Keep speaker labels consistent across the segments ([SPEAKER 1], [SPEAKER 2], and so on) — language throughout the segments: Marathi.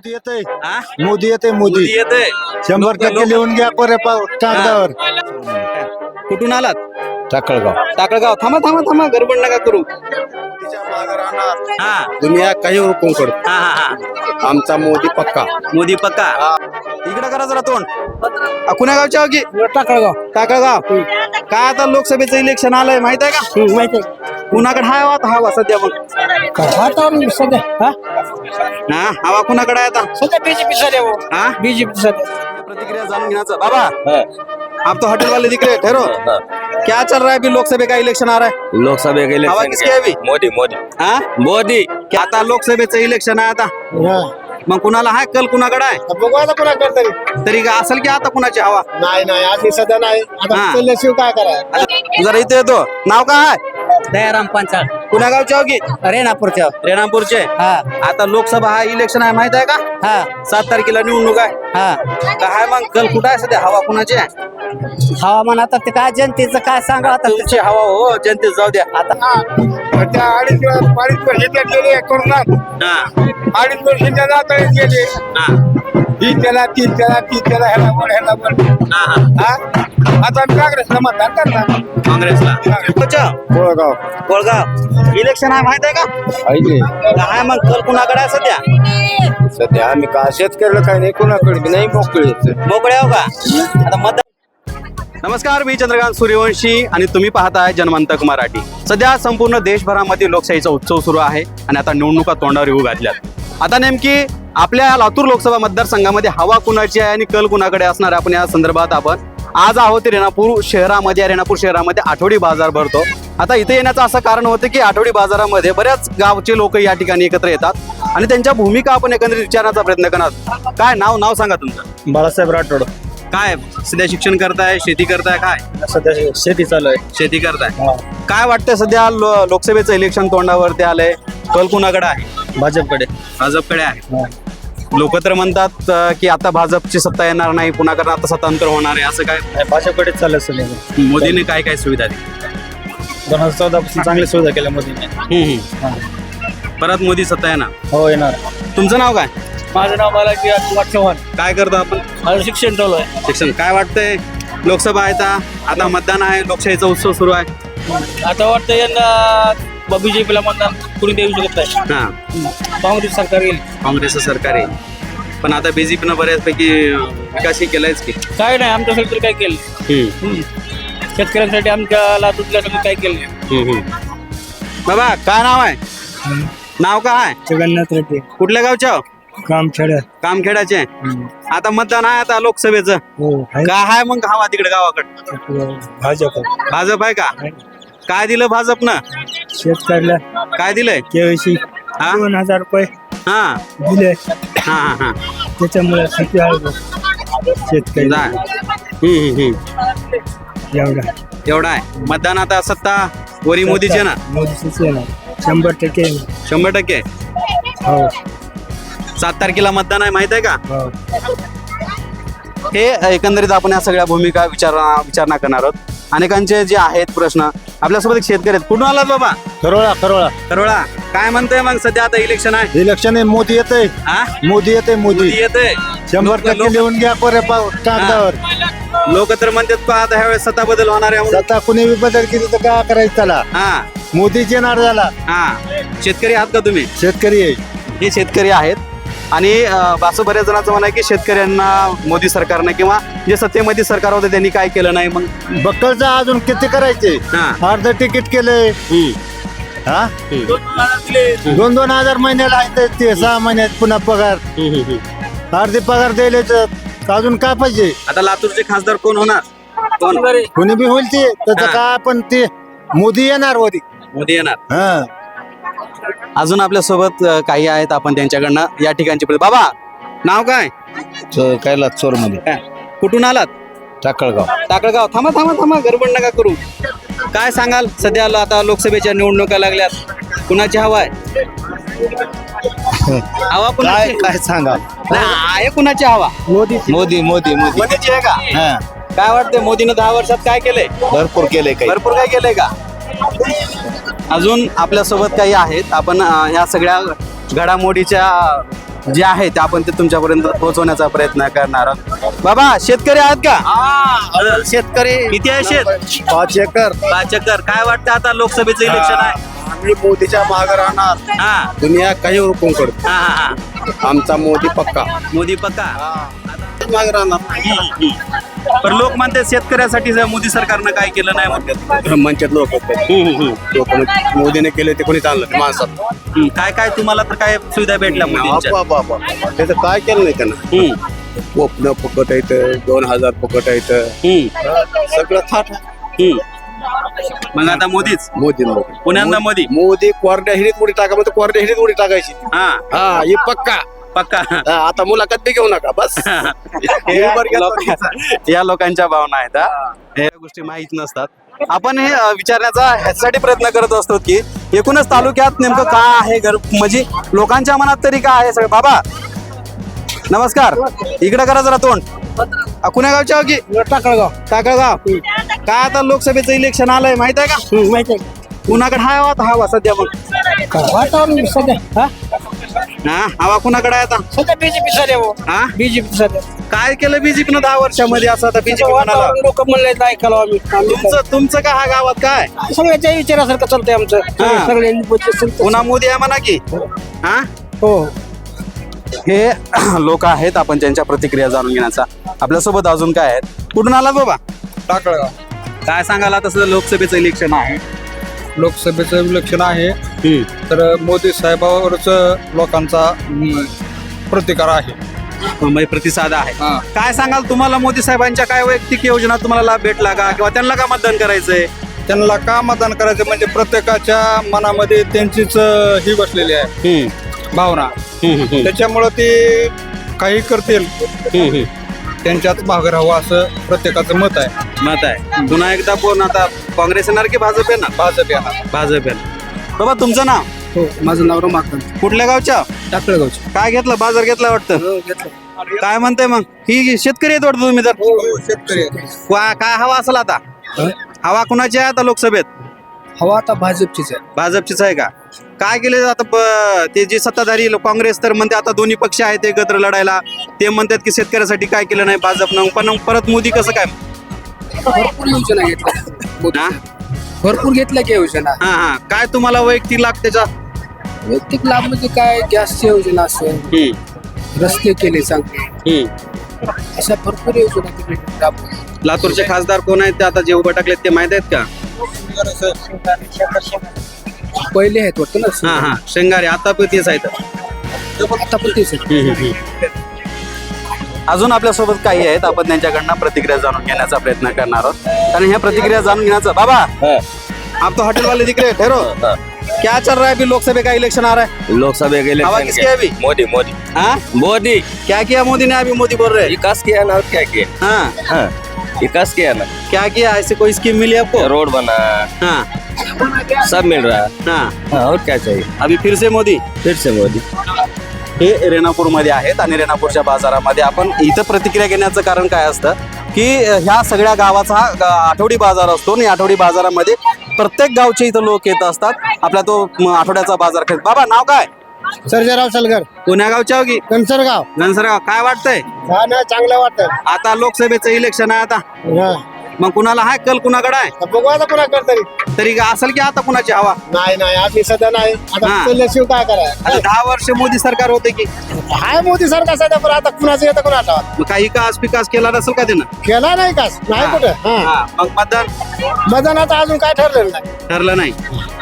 [SPEAKER 1] मोदी येते
[SPEAKER 2] हा?
[SPEAKER 1] मोदी येते
[SPEAKER 2] मोदी
[SPEAKER 1] मोदी
[SPEAKER 2] येते
[SPEAKER 1] 100% लिहून घ्या कोरे कागदावर.
[SPEAKER 2] कुठून आलात?
[SPEAKER 1] टाकळगाव
[SPEAKER 2] टाकळगाव. थांबा थांबा थांबा, गडबड नका करू. हा
[SPEAKER 1] दुनिया काही हुकूम करू
[SPEAKER 2] हा हा हा.
[SPEAKER 1] आमचा मोदी पक्का.
[SPEAKER 2] मोदी पक्का. इकडे करा जरा तोंड. कुण्या गावच्या की
[SPEAKER 1] टाकळगाव
[SPEAKER 2] टाकळगाव. काय आता लोकसभेचं इलेक्शन आलंय माहित आहे का?
[SPEAKER 1] माहिती
[SPEAKER 2] कुणाकडे हाय आता हवा सध्या मग? हा हवा कुणाकडे आहे आता?
[SPEAKER 1] सध्या बीजेपी सध्या
[SPEAKER 2] हा
[SPEAKER 1] बीजेपी सध्या.
[SPEAKER 2] प्रतिक्रिया जान घ्यायचं बाबा. आप तो होटल वाले दिख रहे ठहरो. क्या चल रहा है अभी? लोकसभा का इलेक्शन आ रहा है.
[SPEAKER 3] लोकसभा के
[SPEAKER 2] हवा
[SPEAKER 3] इलेक्शन
[SPEAKER 2] किसकी है अभी?
[SPEAKER 3] मोदी मोदी
[SPEAKER 2] हा
[SPEAKER 3] मोदी
[SPEAKER 2] क्या आता लोकसभेचं इलेक्शन आहे आता? मग कुणाला आहे कल कुणाकडे आहे?
[SPEAKER 1] बघू आता पुन्हा करता
[SPEAKER 2] तरी का असेल की आता कुणाची हवा?
[SPEAKER 1] नाही आधी सध्या नाही आता
[SPEAKER 2] हा.
[SPEAKER 1] चालल्याशिवाय काय करा.
[SPEAKER 2] आता जरा इथे येतो. नाव काय आहे?
[SPEAKER 4] दयाराम पंचाळ
[SPEAKER 2] कुण्या गावचे हो की?
[SPEAKER 4] रेणापूरच्या.
[SPEAKER 2] रेणापूरचे.
[SPEAKER 4] हा
[SPEAKER 2] आता लोकसभा हा इलेक्शन आहे माहित आहे का?
[SPEAKER 4] हा
[SPEAKER 2] 7 तारखेला निवडणूक आहे.
[SPEAKER 4] हा
[SPEAKER 2] काय मग कल कुठं आहे सध्या? हवा कुणाची आहे?
[SPEAKER 4] हवामान आता ते काय जनतेचं काय सांगा आता
[SPEAKER 2] तुमची हवा हो जनतेच जाऊ द्या.
[SPEAKER 4] आता
[SPEAKER 1] त्या अडीच वर्ष गेले कोरोनात
[SPEAKER 2] हा
[SPEAKER 1] 2.5 वर्ष जात गेले.
[SPEAKER 2] हा
[SPEAKER 1] ही त्याला ती त्याला ह्याला बोल ह्याला बोल.
[SPEAKER 2] हा हा.
[SPEAKER 1] आता काँग्रेसला मतदान करणार.
[SPEAKER 2] काँग्रेसला. कोणच्या?
[SPEAKER 1] कोळगाव
[SPEAKER 2] कोळगाव. इलेक्शन आहे माहित आहे का? काय मग कल कुणाकडे आहे सध्या?
[SPEAKER 1] सध्या आम्ही का शेतकऱ्याला काही नाही कोणाकडे नाही मोकळे.
[SPEAKER 2] मोकळे हो का? आता मतदान. नमस्कार, मी चंद्रकांत सूर्यवंशी आणि तुम्ही पाहताय जनमंतक मराठी. सध्या संपूर्ण देशभरामध्ये लोकशाहीचा उत्सव सुरू आहे आणि आता निवडणुका तोंडावर येऊ घातल्यात. आता नेमकी आपल्या लातूर लोकसभा मतदारसंघामध्ये हवा कुणाची आहे आणि कल कुणाकडे असणार आहे, आपण या संदर्भात आपण आज आहोत रेणापूर शहरामध्ये. रेणापूर शहरामध्ये आठवडी बाजार भरतो. आता इथे येण्याचं असं कारण होतं की आठवडी बाजारामध्ये बऱ्याच गावचे लोक या ठिकाणी एकत्र येतात आणि त्यांच्या भूमिका आपण एकंदरीत विचारण्याचा प्रयत्न करणार. काय नाव सांगा तुमचं?
[SPEAKER 1] बाळासाहेब राठोड.
[SPEAKER 2] काय सध्या शिक्षण करताय, शेती करताय? काय
[SPEAKER 1] सध्या शेती चालू आहे.
[SPEAKER 2] शेती करताय. काय वाटतं सध्या लोकसभेचं इलेक्शन तोंडावरती आलंय, कल कुणाकडे आहे?
[SPEAKER 1] भाजपकडे.
[SPEAKER 2] भाजपकडे आहे. लोक तर म्हणतात की आता भाजपची सत्ता येणार नाही, पुन्हा करणार आता सत्तांतर होणार आहे, असं काय?
[SPEAKER 1] भाजपकडेच चाललं सध्या.
[SPEAKER 2] मोदीने काय सुविधा दिली?
[SPEAKER 1] 2014 पासून चांगली सुविधा केल्या मोदीने.
[SPEAKER 2] परत मोदी सत्ता येणार?
[SPEAKER 1] हो येणार.
[SPEAKER 2] तुमचं नाव काय?
[SPEAKER 1] माझं नाव बालाजी चव्हाण.
[SPEAKER 2] काय करतो आपण?
[SPEAKER 1] माझं शिक्षण चालू आहे.
[SPEAKER 2] शिक्षण. काय वाटतंय लोकसभा आहे आता मतदान आहे, लोकशाहीचा उत्सव सुरू आहे.
[SPEAKER 5] आता वाटतं यंदा बीजेपीला मतदान कुणी देऊ शकत नाही.
[SPEAKER 2] हा
[SPEAKER 5] काँग्रेस सरकार येईल.
[SPEAKER 2] काँग्रेसचं सरकार आहे, पण आता बीजेपीनं बऱ्याचपैकी विकासही केलायच की.
[SPEAKER 5] काय नाही आमच्यासाठी काय केलं, शेतकऱ्यांसाठी आमच्या लातूरला काय केलं नाही.
[SPEAKER 2] बाबा काय नाव आहे? नाव काय आहे?
[SPEAKER 1] जगन्नाथ रेड्डी.
[SPEAKER 2] कुठल्या गावच्या?
[SPEAKER 1] कामखेड.
[SPEAKER 2] कामखेडाचे. आता मतदान आहे आता लोकसभेचं.
[SPEAKER 1] हो
[SPEAKER 2] काय आहे मग हवा तिकडे गावाकडे?
[SPEAKER 1] भाजप.
[SPEAKER 2] भाजप आहे का? काय दिलं भाजपनं?
[SPEAKER 1] शेतकऱ्याला
[SPEAKER 2] काय दिलंय?
[SPEAKER 1] केवायसी
[SPEAKER 2] हा
[SPEAKER 1] 2000 रुपये
[SPEAKER 2] हा
[SPEAKER 1] दिले.
[SPEAKER 2] हा हा हा.
[SPEAKER 1] त्याच्यामुळे शेतकरी एवढा
[SPEAKER 2] एवढा आहे. मतदान आता सत्ता वरी मोदीचे ना?
[SPEAKER 1] मोदीच येणार 100% येणार.
[SPEAKER 2] 100%.
[SPEAKER 1] हो
[SPEAKER 2] 7 तारखेला मतदान आहे माहित आहे का?
[SPEAKER 1] हो.
[SPEAKER 2] हे एकंदरीत आपण या सगळ्या भूमिका विचारणा करणार आहोत. अनेकांचे जे आहेत प्रश्न. आपल्यासोबत एक शेतकरी आहेत. कुठून आलात बाबा?
[SPEAKER 1] करोळा.
[SPEAKER 2] करोळा. काय म्हणतोय मग सध्या आता इलेक्शन आहे?
[SPEAKER 1] इलेक्शन आहे. मोदी येते.
[SPEAKER 2] हा
[SPEAKER 1] मोदी येते मोदी.
[SPEAKER 2] येते
[SPEAKER 1] 100% लिहून घ्या कोरे कागदावर.
[SPEAKER 2] लोक तर म्हणतात का आता ह्यावेळेस सत्ता बदल होणार आहे म्हणून.
[SPEAKER 1] आता कुणी बदल केली तर काय करायचं त्याला?
[SPEAKER 2] हा
[SPEAKER 1] मोदीच येणार झाला.
[SPEAKER 2] हा. शेतकरी आहात का तुम्ही?
[SPEAKER 1] शेतकरी आहे.
[SPEAKER 2] हे शेतकरी आहेत आणि असं बऱ्याच जणांचं म्हणणं आहे की शेतकऱ्यांना मोदी सरकारनं किंवा जे सत्तेमध्ये सरकार होते त्यांनी काय केलं नाही. मग
[SPEAKER 1] बक्कलचं अजून किती करायचे?
[SPEAKER 2] हा.
[SPEAKER 1] अर्ध तिकीट केले. हा 2,000 महिन्याला आहे ते 6 महिन्यात पुन्हा पगार. अर्धी पगार द्यायला तर अजून काय पाहिजे?
[SPEAKER 2] आता लातूरचे खासदार कोण होणार? कोण?
[SPEAKER 1] कोणी बी होईल ते त्याचं
[SPEAKER 2] हा.
[SPEAKER 1] काय पण ते मोदी येणार
[SPEAKER 2] मोदी येणार.
[SPEAKER 1] हा.
[SPEAKER 2] अजून आपल्या सोबत काही आहेत, आपण त्यांच्याकडनं या ठिकाणचे. बाबा नाव काय?
[SPEAKER 1] कैलास चोर मध्ये.
[SPEAKER 2] काय? कुठून आलात?
[SPEAKER 1] टाकळगाव.
[SPEAKER 2] टाकळगाव. थांबा गडबड नका करू. काय सांगाल सध्या आता लोकसभेच्या निवडणुका लागल्यात, कुणाची हवा आहे? हवा कुणाची?
[SPEAKER 1] काय सांगा?
[SPEAKER 2] नाही, आहे कुणाची हवा?
[SPEAKER 1] मोदी मोदी मोदी मोदी.
[SPEAKER 2] मोदीची आहे का?
[SPEAKER 1] हा
[SPEAKER 2] काय वाटतंय मोदीनं 10 वर्षात काय केलंय?
[SPEAKER 1] भरपूर केले काही.
[SPEAKER 2] भरपूर काय केलंय का? अजून आपल्या सोबत काही आहेत. आपण ह्या सगळ्या घडामोडीच्या जे आहे ते आपण ते तुमच्यापर्यंत पोहोचवण्याचा प्रयत्न करणार आहोत. बाबा शेतकरी आहात का?
[SPEAKER 4] शेतकरी
[SPEAKER 2] किती आहे शेत?
[SPEAKER 1] 5 एकर
[SPEAKER 2] 5 एकर. काय वाटतं आता लोकसभेचं इलेक्शन आहे?
[SPEAKER 1] आम्ही मोदीच्या मागे राहणार.
[SPEAKER 2] हा
[SPEAKER 1] दुनिया काही हुकूम करतो,
[SPEAKER 2] हा हा
[SPEAKER 1] आमचा मोदी पक्का
[SPEAKER 2] मोदी पक्का.
[SPEAKER 1] मागे राहणार.
[SPEAKER 2] पण लोक म्हणते शेतकऱ्यासाठी जर मोदी सरकारनं काय केलं नाही म्हणतात.
[SPEAKER 1] म्हणतात लोक मोदीने केले ते कोणी चाललं नाही माणसात.
[SPEAKER 2] काय काय तुम्हाला तर काय सुविधा भेटल्या मोदींच्या?
[SPEAKER 1] त्याचं काय केलं नाही त्यांना. कोपनं फुकट येतं, 2000 फुकट येतं, सगळं थाट
[SPEAKER 2] मग आता मोदीच
[SPEAKER 1] मोदी
[SPEAKER 2] पुण्यांदा मोदी.
[SPEAKER 1] मोदी कोरड्या हिरीत उडी टाका म्हणतो, कोरड्या हिरीत उडी टाकायची.
[SPEAKER 2] हा
[SPEAKER 1] हा हे पक्का.
[SPEAKER 2] पक्का.
[SPEAKER 1] हा, आता मुलाखत बी घेऊ नका बस.
[SPEAKER 2] या लोकांच्या भावना आहेत हा. हे गोष्टी माहित नसतात. आपण हे विचारण्याचा ह्यासाठी प्रयत्न करत असतो की एकूणच तालुक्यात नेमकं काय आहे घर, म्हणजे लोकांच्या मनात तरी काय आहे सगळं. बाबा नमस्कार, इकडे करा जरा तोंड. कुण्या गावच्या हो की? टाकळगाव. काय आता लोकसभेचं इलेक्शन आलंय माहित आहे का?
[SPEAKER 4] माहिती आहे
[SPEAKER 2] कुणाकडे हाय आता हवा सध्या? मग
[SPEAKER 4] वातावरण सध्या
[SPEAKER 2] हा हवा कुणाकडे आहे आता?
[SPEAKER 4] सध्या बीजेपी सध्या
[SPEAKER 2] हा
[SPEAKER 4] बीजेपी सध्या
[SPEAKER 2] काय केलं बीजेपीनं 10 वर्षामध्ये असं? आता बीजेपी म्हणाला
[SPEAKER 4] लोक म्हणले ऐकायला आम्ही
[SPEAKER 2] तुमचं का हा गावात काय
[SPEAKER 4] सगळ्याच्या विचारासारखं चालतंय आमचं.
[SPEAKER 2] हा.
[SPEAKER 4] सगळ्यांनी
[SPEAKER 2] पुन्हा मोदी आहे म्हणा की. हा
[SPEAKER 4] हो
[SPEAKER 2] हे लोक आहेत, आपण त्यांच्या प्रतिक्रिया जाणून घेण्याचा. आपल्यासोबत अजून काय आहेत? कुठून आला बाबा?
[SPEAKER 3] टाकळगाव.
[SPEAKER 2] काय सांगाल तसं लोकसभेचं इलेक्शन आहे?
[SPEAKER 3] लोकसभेचं इलेक्शन आहे तर मोदी साहेबावरच लोकांचा प्रतिकार आहे.
[SPEAKER 2] म्हणजे प्रतिसाद आहे.
[SPEAKER 3] हा.
[SPEAKER 2] काय सांगाल तुम्हाला मोदी साहेबांच्या काय वैयक्तिक योजना तुम्हाला लाभ भेटला का, किंवा त्यांना का मतदान करायचंय?
[SPEAKER 3] त्यांना का मतदान करायचं म्हणजे प्रत्येकाच्या मनामध्ये त्यांचीच ही बसलेली आहे भावना. त्याच्यामुळं ते काही करतील त्यांच्यात भाग राहावं असं प्रत्येकाचं मत आहे.
[SPEAKER 2] मत आहे. पुन्हा एकदा कोण आता काँग्रेस येणार की भाजप येणार?
[SPEAKER 3] भाजप येणार.
[SPEAKER 2] भाजप येणार. बाबा तुमचं नाव?
[SPEAKER 4] हो माझं नाव रमाकांत
[SPEAKER 2] कुठल्या गावच्या?
[SPEAKER 4] टाकळगावचं.
[SPEAKER 2] काय घेतलं? बाजार घेतला वाटतं. काय म्हणताय मग? ही शेतकरी आहेत वाटतं तुम्ही तर.
[SPEAKER 3] शेतकरी
[SPEAKER 2] काय हवा असेल आता? हवा कुणाची आहे आता लोकसभेत?
[SPEAKER 4] हवा आता भाजपचीच आहे.
[SPEAKER 2] भाजपचीच आहे का? काय केले आता ते जे सत्ताधारी काँग्रेस तर म्हणते आता दोन्ही पक्ष आहेत एकत्र लढायला. ते म्हणतात की शेतकऱ्यासाठी काय केलं नाही भाजपनं. पण परत मोदी कसं काय?
[SPEAKER 4] भरपूर योजना घेतल्या,
[SPEAKER 2] हा
[SPEAKER 4] भरपूर घेतल्या की योजना.
[SPEAKER 2] हा हा. काय तुम्हाला वैयक्तिक लाभ त्याचा?
[SPEAKER 4] वैयक्तिक लाभ म्हणजे काय, गॅसची योजना असेल, रस्ते केले चांगले, अशा भरपूर योजना
[SPEAKER 2] लातूरचे खासदार कोण आहेत ते आता जे उभं टाकलेत ते माहित आहेत का?
[SPEAKER 4] पहिले आहेत वाटतं ना.
[SPEAKER 2] हा हा शेंगारे आता पण तेच आहेत.
[SPEAKER 4] आता पण तेच आहे.
[SPEAKER 2] अजून आपल्यासोबत काही आहेत, आपण त्यांच्याकडनं प्रतिक्रिया जाणून घेण्याचा प्रयत्न करणार आहोत. आणि ह्या प्रतिक्रिया जाणून घेण्याचा. बाबा आप तो होटल वाले दिख रहे ठहरो. क्या चल रहा है अभी? लोकसभा का इलेक्शन आ रहा है.
[SPEAKER 6] लोकसभा के
[SPEAKER 2] हवा
[SPEAKER 6] इलेक्शन
[SPEAKER 2] किसकी है अभी?
[SPEAKER 6] मोदी मोदी
[SPEAKER 2] हाँ
[SPEAKER 6] मोदी
[SPEAKER 2] क्या किया मोदी ने? अभी मोदी बोल रहे हैं.
[SPEAKER 6] विकास किया ना और क्या किया?
[SPEAKER 2] हाँ
[SPEAKER 6] हाँ विकास किया ना,
[SPEAKER 2] क्या किया? ऐसे कोई स्कीम मिली आपको?
[SPEAKER 6] रोड बना,
[SPEAKER 2] हाँ
[SPEAKER 6] सब मिल रहा है.
[SPEAKER 2] हाँ.
[SPEAKER 6] हाँ और क्या चाहिए?
[SPEAKER 2] अभी फिर से मोदी.
[SPEAKER 6] फिर से मोदी.
[SPEAKER 2] हे रेणापूरमध्ये आहेत आणि रेणापूरच्या बाजारामध्ये आपण इथं प्रतिक्रिया घेण्याचं कारण काय असतं की ह्या सगळ्या गावाचा हा आठवडी बाजार असतो आणि आठवडी बाजारामध्ये प्रत्येक गावचे इथं लोक येत असतात. आपला तो आठवड्याचा बाजार खेळ. बाबा नाव काय?
[SPEAKER 1] सर्जेराव सलगर,
[SPEAKER 2] पुण्या गावच्या हो की?
[SPEAKER 1] कंसरगाव.
[SPEAKER 2] घनसरगाव. काय वाटतंय
[SPEAKER 1] नाही चांगलं वाटतं.
[SPEAKER 2] आता लोकसभेचं इलेक्शन आहे आता? मग कुणाला हाय कल कुणाकडे आहे?
[SPEAKER 1] बघू आता कुणाकडे तरी.
[SPEAKER 2] तरी असेल की आता कुणाची हवा?
[SPEAKER 1] नाही आम्ही सध्या नाही.
[SPEAKER 2] हा.
[SPEAKER 1] आता केल्याशिवाय काय करायचं?
[SPEAKER 2] आता 10 वर्ष मोदी सरकार होते की.
[SPEAKER 1] हाय मोदी सरकार सध्या, पण आता कुणाचं येतं कुणाचा
[SPEAKER 2] मग काही विकास पिकास केला नसेल का त्यानं?
[SPEAKER 1] केला नाही का? नाही कुठं. हा.
[SPEAKER 2] हा. मग मतदान
[SPEAKER 1] मतदानाचं अजून काय ठरलेलं नाही.
[SPEAKER 2] ठरलं नाही.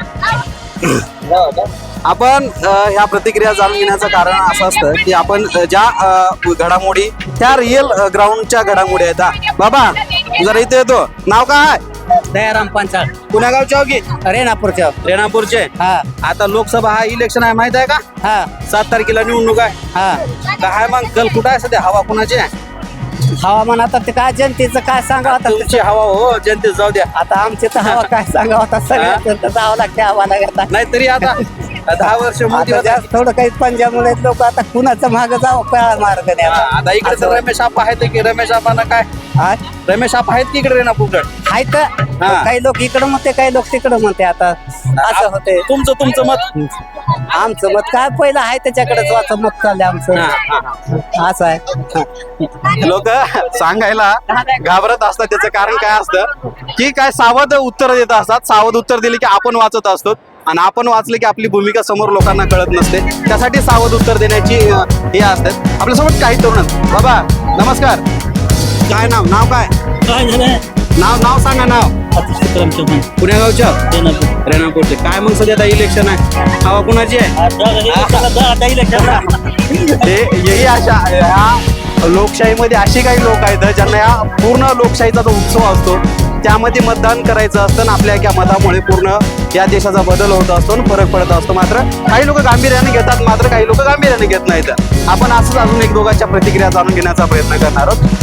[SPEAKER 2] आपण ह्या प्रतिक्रिया जाणून घेण्याचं कारण असं असतं की आपण ज्या घडामोडी त्या रिअल ग्राउंडच्या घडामोडी आहेत. हा. बाबा जरा इथे येतो. नाव काय आहे?
[SPEAKER 4] दयाराम पांचाळ.
[SPEAKER 2] पुण्या गावच्या हो की?
[SPEAKER 4] रेणापूरच्या.
[SPEAKER 2] रेणापूरचे.
[SPEAKER 4] हा
[SPEAKER 2] आता लोकसभा हा इलेक्शन आहे माहित आहे का?
[SPEAKER 4] हा
[SPEAKER 2] 7 तारखेला निवडणूक आहे.
[SPEAKER 4] हा.
[SPEAKER 2] काय मग कल कुठं आहे सध्या? हवा कुणाची आहे?
[SPEAKER 4] हवामान आता ते काय जनतेचं काय सांगावं आता.
[SPEAKER 2] तुमची हवा हो जनतेत जाऊ द्या.
[SPEAKER 4] आता आमचे तर हवा काय सांगावं आता. सगळ्या जावं लागते हवाला घेता.
[SPEAKER 2] नाहीतरी आता 10 वर्ष मोदी
[SPEAKER 4] आता
[SPEAKER 2] होता.
[SPEAKER 4] जास्त थोडं काही पंजाबमुळे लोक आता कुणाचं माग जावं कळा मार्ग नाही
[SPEAKER 2] हा, आता इकडे तर रमेश आपा आहेत की? रमेश आपांना काय?
[SPEAKER 4] हा?
[SPEAKER 2] रमेश आपा आहेत की इकडे रेणापूरकडे?
[SPEAKER 4] आहे तर
[SPEAKER 2] हा.
[SPEAKER 7] काही लोक इकडं म्हणते काही लोक तिकडं म्हणते आता असं होते
[SPEAKER 2] तुमचं मत
[SPEAKER 7] आमचं मत काय पहिलं आहे त्याच्याकडेच वाचं मत चाललंय आमचं असं आहे
[SPEAKER 2] लोक सांगायला घाबरत असतात. त्याचं कारण काय असतं की काय सावध उत्तर देत असतात. सावध उत्तर दिले की आपण वाचत असतो आणि आपण वाचले की आपली भूमिका समोर लोकांना कळत नसते. त्यासाठी सावध उत्तर देण्याची हे असतात. आपल्यासोबत काही तरुण आहेत. बाबा नमस्कार. काय नाव काय नाव सांगा. नाव पुण्या गावच्या रेणापूरचे. काय मग सध्या इलेक्शन आहे, हवा कुणाची आहे? हेही अशा ह्या लोकशाहीमध्ये अशी काही लोक आहेत ज्यांना या पूर्ण लोकशाहीचा जो उत्सव असतो त्यामध्ये मतदान करायचं असतं आणि आपल्या एका मतामुळे पूर्ण या देशाचा बदल होत असतो आणि फरक पडत असतो. मात्र काही लोक गांभीर्याने घेतात, मात्र काही लोक गांभीर्याने घेत नाहीत. आपण असंच अजून एक दोघांच्या प्रतिक्रिया जाणून घेण्याचा प्रयत्न करणार आहोत.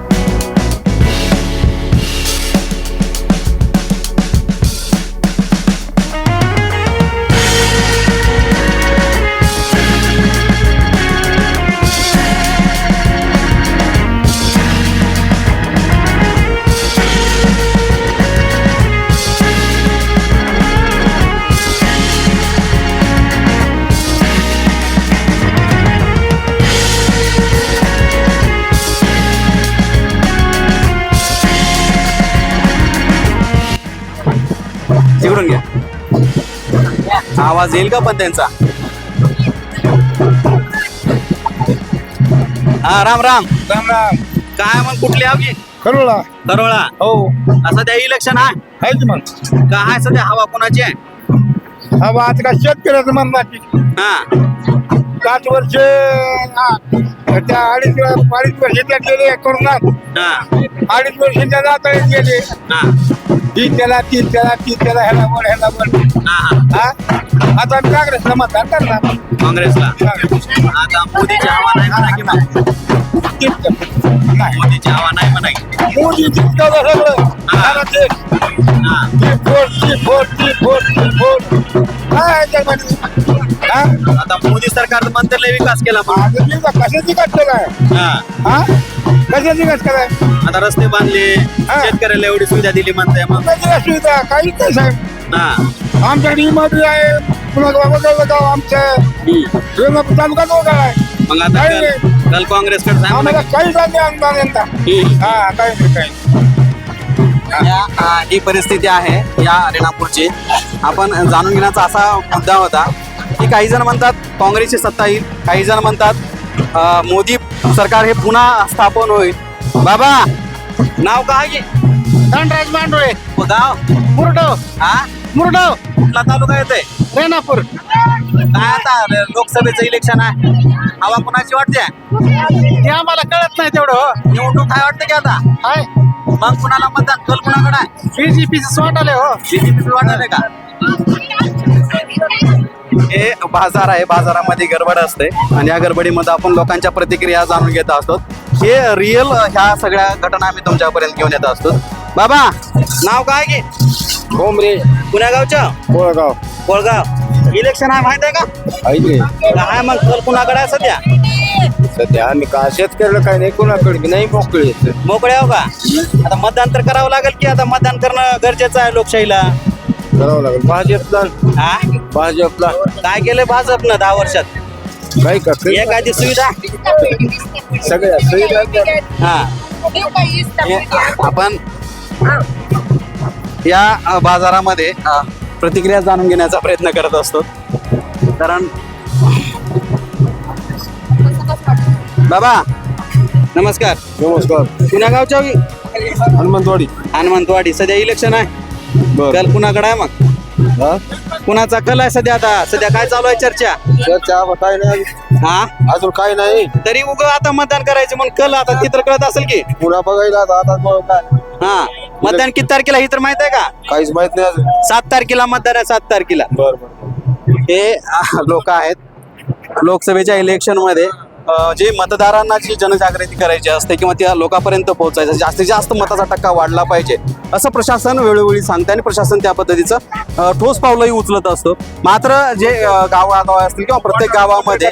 [SPEAKER 2] तिकडून घ्या, आवाज येईल का पण त्यांचा? हा राम राम. काय मग कुठली हवी?
[SPEAKER 3] करोळा
[SPEAKER 2] करोळा.
[SPEAKER 3] हो
[SPEAKER 2] सध्या इलेक्शन आहे
[SPEAKER 3] आहे की मग
[SPEAKER 2] काय सध्या हवा कोणाची आहे?
[SPEAKER 3] हा आता काय शेतकऱ्याचं म्हणतात
[SPEAKER 2] हा
[SPEAKER 3] 5 वर्ष त्या अडीच वर्ष त्या गेले करोनात
[SPEAKER 2] हा
[SPEAKER 3] 2.5 वर्ष त्या जाता गेले
[SPEAKER 2] हा
[SPEAKER 3] ती त्याला ह्याला वर
[SPEAKER 2] हा.
[SPEAKER 3] हा आता आम्ही काँग्रेसला मतदान करणार
[SPEAKER 2] काँग्रेसला. आता मोदीची हवा नाही म्हणा की मग? मोदीची हवा नाही म्हणा की?
[SPEAKER 3] मोदी जिंकलं सगळं
[SPEAKER 2] हा. हा.
[SPEAKER 3] काय त्याच्यामध्ये? हा?
[SPEAKER 2] आता मोदी सरकारनं म्हणतं लय विकास केला पण.
[SPEAKER 3] आता मी का कशाची कष्ट काय
[SPEAKER 2] हा.
[SPEAKER 3] हा कशाची कष्ट काय
[SPEAKER 2] आता रस्ते बांधले, शेतकऱ्याला एवढी सुविधा दिली म्हणताय मग.
[SPEAKER 3] कशाची सुविधा काहीच नाही साहेब
[SPEAKER 2] हा
[SPEAKER 3] आमच्याकडे इमारती आहे पुन्हा गाव आमच्या तालुका जोगा आहे
[SPEAKER 2] मग आता
[SPEAKER 3] काही नाही.
[SPEAKER 2] काल काँग्रेसकडे सांग
[SPEAKER 3] आम्हाला काहीच नाही अनुदान यंदा हा काही नाही
[SPEAKER 2] ही परिस्थिती आहे या रेणापूरची. आपण जाणून घेण्याचा असा मुद्दा होता की काही जण म्हणतात काँग्रेसची सत्ता येईल, काही जण म्हणतात मोदी सरकार हे पुन्हा स्थापन होईल. बाबा नाव काय आहे?
[SPEAKER 3] धनराज मांडोळे
[SPEAKER 2] गाव
[SPEAKER 3] मुरडो
[SPEAKER 2] हा
[SPEAKER 3] मुरडो
[SPEAKER 2] कुठला तालुका येतोय?
[SPEAKER 3] रेणापूर
[SPEAKER 2] काय आता लोकसभेचं इलेक्शन आहे, हवा कुणाची वाटते?
[SPEAKER 3] ते आम्हाला कळत नाही तेवढं
[SPEAKER 2] निवडणूक काय वाटते की आता?
[SPEAKER 3] हाय
[SPEAKER 2] मग कुणाला मतदान कल कुणाकडे आहे?
[SPEAKER 3] बीजेपीचं वाटाले हो
[SPEAKER 2] बीजेपी वाटते का? हे बाजार आहे, बाजारामध्ये गडबड असते आणि या गडबडीमध्ये आपण लोकांच्या प्रतिक्रिया जाणून घेत असतो. हे रिअल ह्या सगळ्या घटना आम्ही तुमच्यापर्यंत घेऊन येत असतो. बाबा नाव काय की?
[SPEAKER 3] भोमरे
[SPEAKER 2] पुण्या गावच्या
[SPEAKER 3] कोळगाव
[SPEAKER 2] कोळगाव. इलेक्शन आहे माहित आहे का? काय मग कल कुणाकडे आहे सध्या?
[SPEAKER 3] सध्या आम्ही का शेतकऱ्याला काही नाही कोणाकडे नाही मोकळे
[SPEAKER 2] मोकळे आहो का? आता मतदान तर करावं लागेल की? आता मतदान करणं गरजेचं आहे लोकशाहीला.
[SPEAKER 3] करावं लागेल भाजपला
[SPEAKER 2] हा
[SPEAKER 3] भाजपला
[SPEAKER 2] काय केलंय भाजपनं 10 वर्षात?
[SPEAKER 3] काही का
[SPEAKER 2] एखादी सुविधा
[SPEAKER 3] सगळ्या सुविधा
[SPEAKER 2] हा. आपण या बाजारामध्ये प्रतिक्रिया जाणून घेण्याचा प्रयत्न करत असतो. कारण बाबा नमस्कार.
[SPEAKER 3] नमस्कार
[SPEAKER 2] पुण्या गावच्या की? हनुमंतवाडी. सध्या इलेक्शन आहे, कल कुणाकडे आहे मग? कुणाचा कल आहे सध्या? आता सध्या काय चालू आहे चर्चा?
[SPEAKER 3] काय नाही
[SPEAKER 2] हा
[SPEAKER 3] अजून काय नाही
[SPEAKER 2] तरी उग आता मतदान करायचं म्हणून कल आता ती तर कळत असेल की?
[SPEAKER 3] पुन्हा बघायला आता काय
[SPEAKER 2] हा मतदान किती तारखेला ही तर माहित आहे का?
[SPEAKER 3] काहीच माहित नाही अजून
[SPEAKER 2] 7 तारखेला मतदान आहे. 7 तारखेला. हे लोक आहेत लोकसभेच्या इलेक्शन मध्ये जे मतदारांना जी जनजागृती करायची असते किंवा त्या लोकांपर्यंत पोहोचायचं, जास्तीत जास्त मताचा टक्का वाढला पाहिजे असं प्रशासन वेळोवेळी सांगते आणि प्रशासन त्या पद्धतीचं ठोस पावलंही उचलत असतं. मात्र जे गावागाव असतील किंवा प्रत्येक गावामध्ये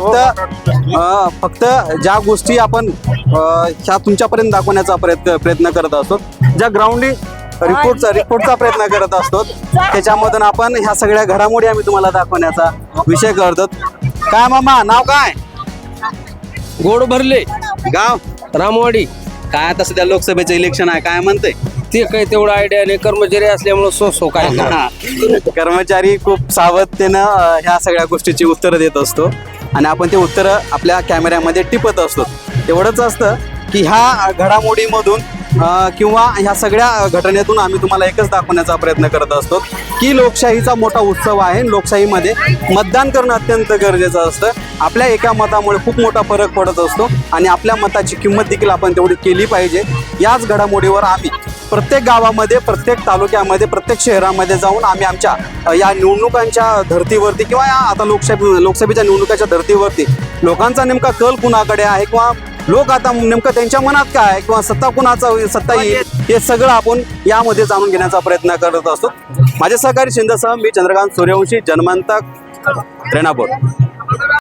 [SPEAKER 2] फक्त ज्या गोष्टी आपण ह्या तुमच्यापर्यंत दाखवण्याचा प्रयत्न करत असतो, ज्या रिपोर्टचा प्रयत्न करत असतो. त्याच्यामधून आपण ह्या सगळ्या घडामोडी आम्ही तुम्हाला दाखवण्याचा विषय करतो. काय मामा, नाव काय?
[SPEAKER 5] गोड भरले
[SPEAKER 2] गाव
[SPEAKER 5] रामवाडी.
[SPEAKER 2] काय आता सध्या लोकसभेचं इलेक्शन आहे, काय म्हणते?
[SPEAKER 5] ते काही तेवढं आयडिया नाही, कर्मचारी असल्यामुळे सो काय
[SPEAKER 2] कर्मचारी खूप सावधतेनं ह्या सगळ्या गोष्टीची उत्तरं देत असतो आणि आपण ते उत्तरं आपल्या कॅमेऱ्यामध्ये टिपत असतो. एवढंच असतं की ह्या घडामोडीमधून किंवा ह्या सगळ्या घटनेतून आम्ही तुम्हाला एकच दाखवण्याचा प्रयत्न करत असतो की लोकशाहीचा मोठा उत्सव आहे. लोकशाहीमध्ये मतदान करणं अत्यंत गरजेचं असतं. आपल्या एका मतामुळे खूप मोठा फरक पडत असतो आणि आपल्या मताची किंमत देखील आपण तेवढी केली पाहिजे. याच घडामोडीवर आम्ही प्रत्येक गावामध्ये, प्रत्येक तालुक्यामध्ये, प्रत्येक शहरामध्ये जाऊन आम्ही आमच्या या निवडणुकांच्या धर्तीवरती किंवा या आता लोकसभेच्या निवडणुकाच्या धर्तीवरती लोकांचा नेमका कल कुणाकडे आहे किंवा लोक आता नेमकं त्यांच्या मनात काय आहे किंवा सत्ता येईल हे सगळं आपण यामध्ये जाणून घेण्याचा प्रयत्न करत असतो. माझे सहकारी शिंदेसह मी चंद्रकांत सूर्यवंशी, जनमंतक, रेणापूर.